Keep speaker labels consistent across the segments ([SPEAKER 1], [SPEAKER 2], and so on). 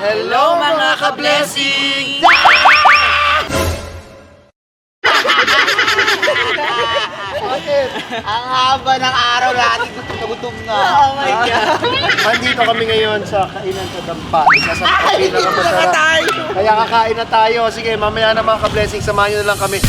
[SPEAKER 1] Hello mga ka-blessing!
[SPEAKER 2] Ang haba ng araw natin, gutom na.
[SPEAKER 1] Oh my God!
[SPEAKER 3] Nandito kami ngayon sa Kainan sa Dampa. Isa sa pinakamasarap. Kaya kakain na tayo. Sige, mamaya na mga ka-blessing, samahan nyo na lang kami.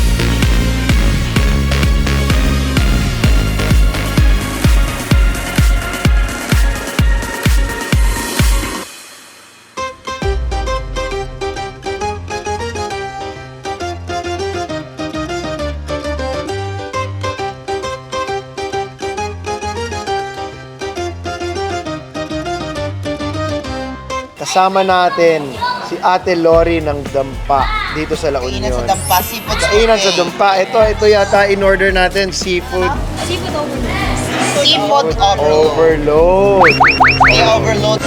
[SPEAKER 3] Kasama natin si Ate Lori ng Dampa dito sa La
[SPEAKER 2] Kainan sa
[SPEAKER 3] Union.
[SPEAKER 2] Dampa, seafood
[SPEAKER 3] Kainan sa Dampa. Ito yata in-order natin, seafood
[SPEAKER 4] Seafood overload.
[SPEAKER 2] Seafood overload.
[SPEAKER 3] overload.
[SPEAKER 2] May overload.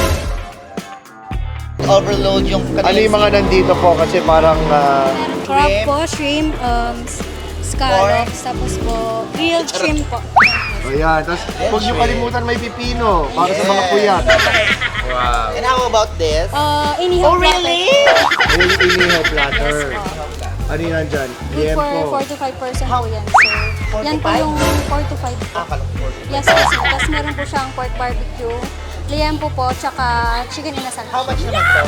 [SPEAKER 2] Overload yung
[SPEAKER 3] Ano yung mga nandito po? Kasi parang
[SPEAKER 4] Crab po, shrimp, scallops, tapos po, grilled shrimp po.
[SPEAKER 3] ayan. Tapos huwag nyo kalimutan may pipino para sa mga puyat.
[SPEAKER 1] Wow!
[SPEAKER 2] And how about this?
[SPEAKER 4] Inihaw
[SPEAKER 2] Oh, really?
[SPEAKER 3] Ayun yung inihaw platter. Ano yun nandyan?
[SPEAKER 4] Good
[SPEAKER 3] Liempo.
[SPEAKER 4] for 4 to 5% po yan, sir. Yan po yung 4 to 5 po.
[SPEAKER 2] Kalukor.
[SPEAKER 4] Yes po, sir. Tapos meron po siyang pork barbecue, liempo po, tsaka chicken inasal.
[SPEAKER 2] How much naman to?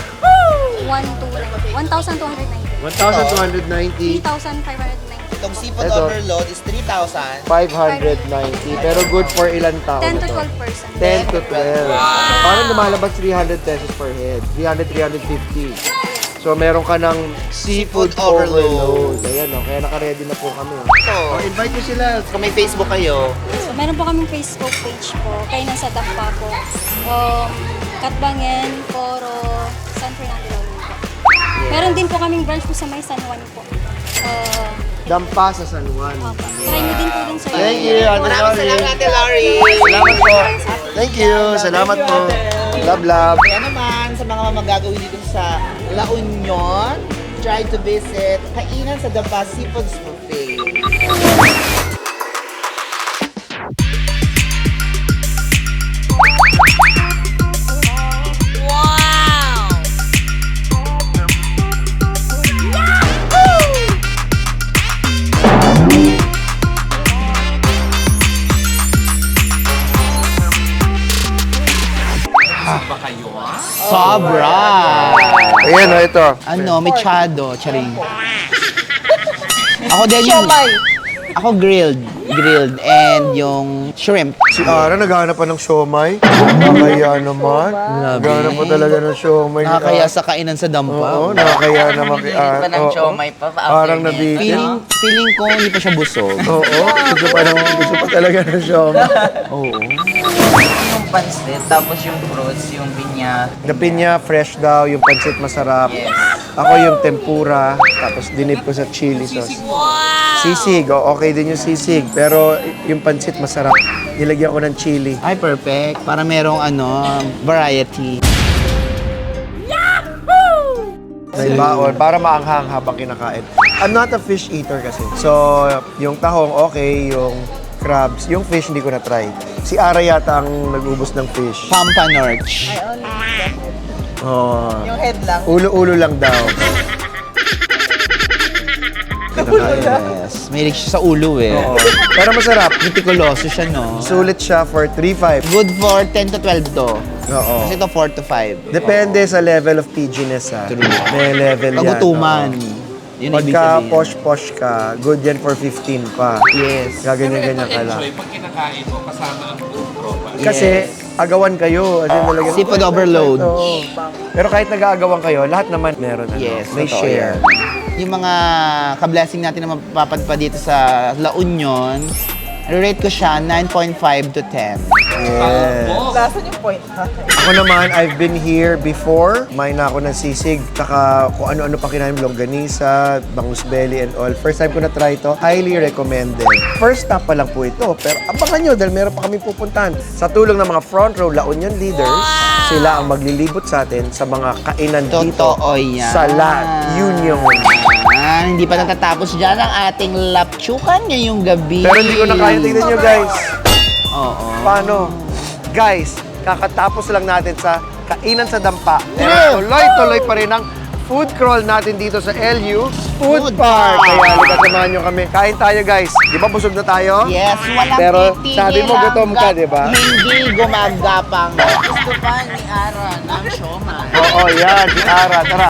[SPEAKER 4] 1,290.
[SPEAKER 3] 1,290.
[SPEAKER 4] 3,590.
[SPEAKER 2] Itong seafood
[SPEAKER 3] Ito.
[SPEAKER 2] overload is 3,000.
[SPEAKER 3] 590. Pero good for ilang tao
[SPEAKER 4] 10 to
[SPEAKER 3] ito?
[SPEAKER 4] 12%.
[SPEAKER 3] 10 to 12. Parang lumalabas 300 pesos per head. 300, 350. So meron ka ng seafood
[SPEAKER 2] Seafood overload.
[SPEAKER 3] overload. Ayan o, kaya naka-ready na po kami.
[SPEAKER 2] So,
[SPEAKER 3] Invite nyo sila.
[SPEAKER 2] kung may Facebook kayo,
[SPEAKER 4] So, meron po kaming Facebook page po, Kainan sa Dampa po. Katbangen, Coro, San Fernando La Union po. Meron din po kaming branch po sa may San Juan po.
[SPEAKER 3] Dampa sa San Juan.
[SPEAKER 4] Try mo din po dun sir.
[SPEAKER 3] Thank you, Ate
[SPEAKER 2] maraming
[SPEAKER 3] Lori.
[SPEAKER 2] salamat, Ate Lori.
[SPEAKER 3] Salamat po. Thank you. Salamat po. Love, love.
[SPEAKER 2] Kaya naman, sa mga magagawin dito sa La Union, try to visit Kainan sa Dampa Seafood Buffet. Sobra!
[SPEAKER 3] Ayan o, ito.
[SPEAKER 2] Ano, mechado, charing. Ako din yung... Ako grilled, and yung shrimp.
[SPEAKER 3] Si Ara naghahanap pa ng siomay. Nakakaya naman.
[SPEAKER 2] Grabe.
[SPEAKER 3] Naghahanap pa talaga ng siomay. ni
[SPEAKER 2] Nakakaya
[SPEAKER 3] Ara.
[SPEAKER 2] sa Kainan sa Dampa.
[SPEAKER 3] Oo, nakakaya naman kay Ara.
[SPEAKER 1] pa ng
[SPEAKER 3] Oo.
[SPEAKER 1] siomay pa.
[SPEAKER 3] Parang nabigyan.
[SPEAKER 2] Feeling ko hindi pa siya busog.
[SPEAKER 3] Oo, gusto pa talaga ng siomay.
[SPEAKER 2] Oo.
[SPEAKER 1] Yung pansit, tapos yung fruits, yung pinya.
[SPEAKER 3] The pinya, fresh daw. Yung pansit masarap.
[SPEAKER 1] Yes.
[SPEAKER 3] Ako yung tempura. Tapos dinip ko sa chili sauce. Sisig. Okay din yung sisig. Pero yung pansit masarap. Nilagyan ko ng chili.
[SPEAKER 2] Ay, perfect. Para merong variety.
[SPEAKER 3] May baon para maanghang habang kinakain. I'm not a fish eater kasi. So, yung tahong okay, yung crabs, yung fish hindi ko na try. Si Ara yata ang nag-ubos ng fish.
[SPEAKER 2] Pampanorch.
[SPEAKER 3] Oh.
[SPEAKER 2] Yung head lang.
[SPEAKER 3] Ulo-ulo lang daw.
[SPEAKER 2] Yes. Mahilig siya sa ulo eh.
[SPEAKER 3] Oo. Pero masarap.
[SPEAKER 2] Mitikuloso siya, no?
[SPEAKER 3] Sulit siya for 3-5.
[SPEAKER 2] Good for 10 to 12 to.
[SPEAKER 3] Oo.
[SPEAKER 2] Kasi ito 4 to 5.
[SPEAKER 3] Depende sa level of PG-ness ha.
[SPEAKER 2] True.
[SPEAKER 3] May level yan.
[SPEAKER 2] Kagutuman.
[SPEAKER 3] oo.
[SPEAKER 2] Yun ang ibig
[SPEAKER 3] Pagka
[SPEAKER 2] sabihin.
[SPEAKER 3] posh-posh ka, good yan for 15 pa.
[SPEAKER 2] Yes.
[SPEAKER 3] Gaganyan-ganyan ka lang.
[SPEAKER 5] Enjoy pag kinakain mo kasama ang buong tropa.
[SPEAKER 3] Kasi agawan kayo. As in, talagang,
[SPEAKER 2] Seafood overload.
[SPEAKER 3] Oo. Pero kahit nag-aagawan kayo, lahat naman meron.
[SPEAKER 2] Yes,
[SPEAKER 3] may
[SPEAKER 2] totoo
[SPEAKER 3] share.
[SPEAKER 2] yan. Yung mga ka-blessing natin na mapapadpa dito sa La Union, rate ko siya 9.5 to 10.
[SPEAKER 3] Yes. Ako naman, I've been here before. Kumain na ako ng sisig, taka kung ano-ano pa kinain, longganisa, bangus belly and all. First time ko na try ito, highly recommended. First stop pa lang po ito, pero abangan nyo dahil meron pa kami pupuntahan. Sa tulong ng mga front row La Union leaders, sila ang maglilibot sa atin sa mga kainan dito
[SPEAKER 2] Totoo yan.
[SPEAKER 3] sa La Union.
[SPEAKER 2] Hindi pa natatapos dyan ang ating lapchukan ngayong gabi.
[SPEAKER 3] Pero hindi ko na kaya. Tingnan nyo guys.
[SPEAKER 2] Oo.
[SPEAKER 3] Paano? Guys, kakatapos lang natin sa kainan sa dampa.
[SPEAKER 2] True.
[SPEAKER 3] Tuloy-tuloy pa rin ang food crawl natin dito sa LU Food
[SPEAKER 2] Food
[SPEAKER 3] Park.
[SPEAKER 2] Park.
[SPEAKER 3] Kaya halika, samahan nyo kami. Kain tayo, guys. Di ba busog na tayo?
[SPEAKER 2] Yes, walang
[SPEAKER 3] Pero
[SPEAKER 2] titigil
[SPEAKER 3] sabi mo gutom ka, di ba?
[SPEAKER 2] Hindi gumagapang.
[SPEAKER 1] Gusto pa ni Ara ng siomay.
[SPEAKER 3] Oo, yan. Si Ara. Tara.